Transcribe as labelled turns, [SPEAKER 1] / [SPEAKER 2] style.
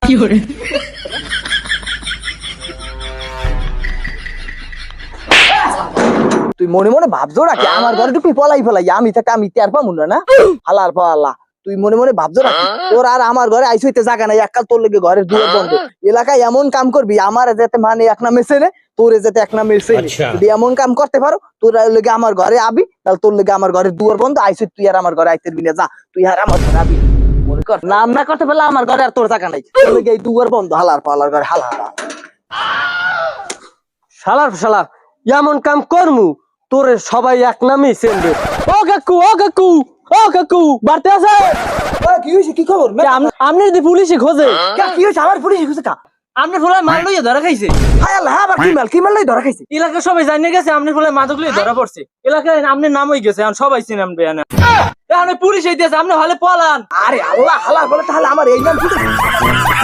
[SPEAKER 1] তুই মনে মনে ভাবছো রাখি আমার ঘরে ঢুকি পলাই ফেলাই আমি থাকতে আমি টের পাবো না হালার পাল্লা তুই মনে মনে ভাবছো রাখি তোর আর আমার ঘরে আইস হইতে জায়গা নাই এককাল তোর লেগে ঘরের দুয়ার বন্ধ এলাকায় এমন কাম করবি আমার যাতে মানে এক নামে ছেলে তোরে যাতে এক নামে ছেলে যদি এমন কাম করতে পারো তোর লেগে আমার ঘরে আবি তাহলে তোর লেগে আমার ঘরের দুয়ার বন্ধ আইস তুই আর আমার ঘরে আইতে না যা তুই আর আমার ঘরে আবি মনে কর নাম না করতে পারলে আমার ঘরে আর তোর জায়গা নাই তোর লেগে এই দুয়ার বন্ধ হালার পাল্লার ঘরে হালা
[SPEAKER 2] শালার এমন কাম করমু তোরে সবাই এক নামে চেনবে। ও কাকু বাড়তে আছে
[SPEAKER 1] কি হয়েছে কি খবর
[SPEAKER 2] আপনি যদি পুলিশে খোঁজে
[SPEAKER 1] কি হয়েছে আমার পুলিশ খুঁজে কা
[SPEAKER 2] আপনি ফুলে মাল লইয়া ধরা খাইছে
[SPEAKER 1] হায় আল্লাহ আবার কি মাল লই ধরা খাইছে
[SPEAKER 2] এলাকা সবাই জানিয়ে গেছে আপনি ফুলে মাদক লইয়া ধরা পড়ছে এলাকায় আপনার নাম হয়ে গেছে এখন সবাই চিনেন এখন পুলিশ হইতেছে আপনি হলে পলান
[SPEAKER 1] আরে আল্লাহ হালার বলে তাহলে আমার এই নাম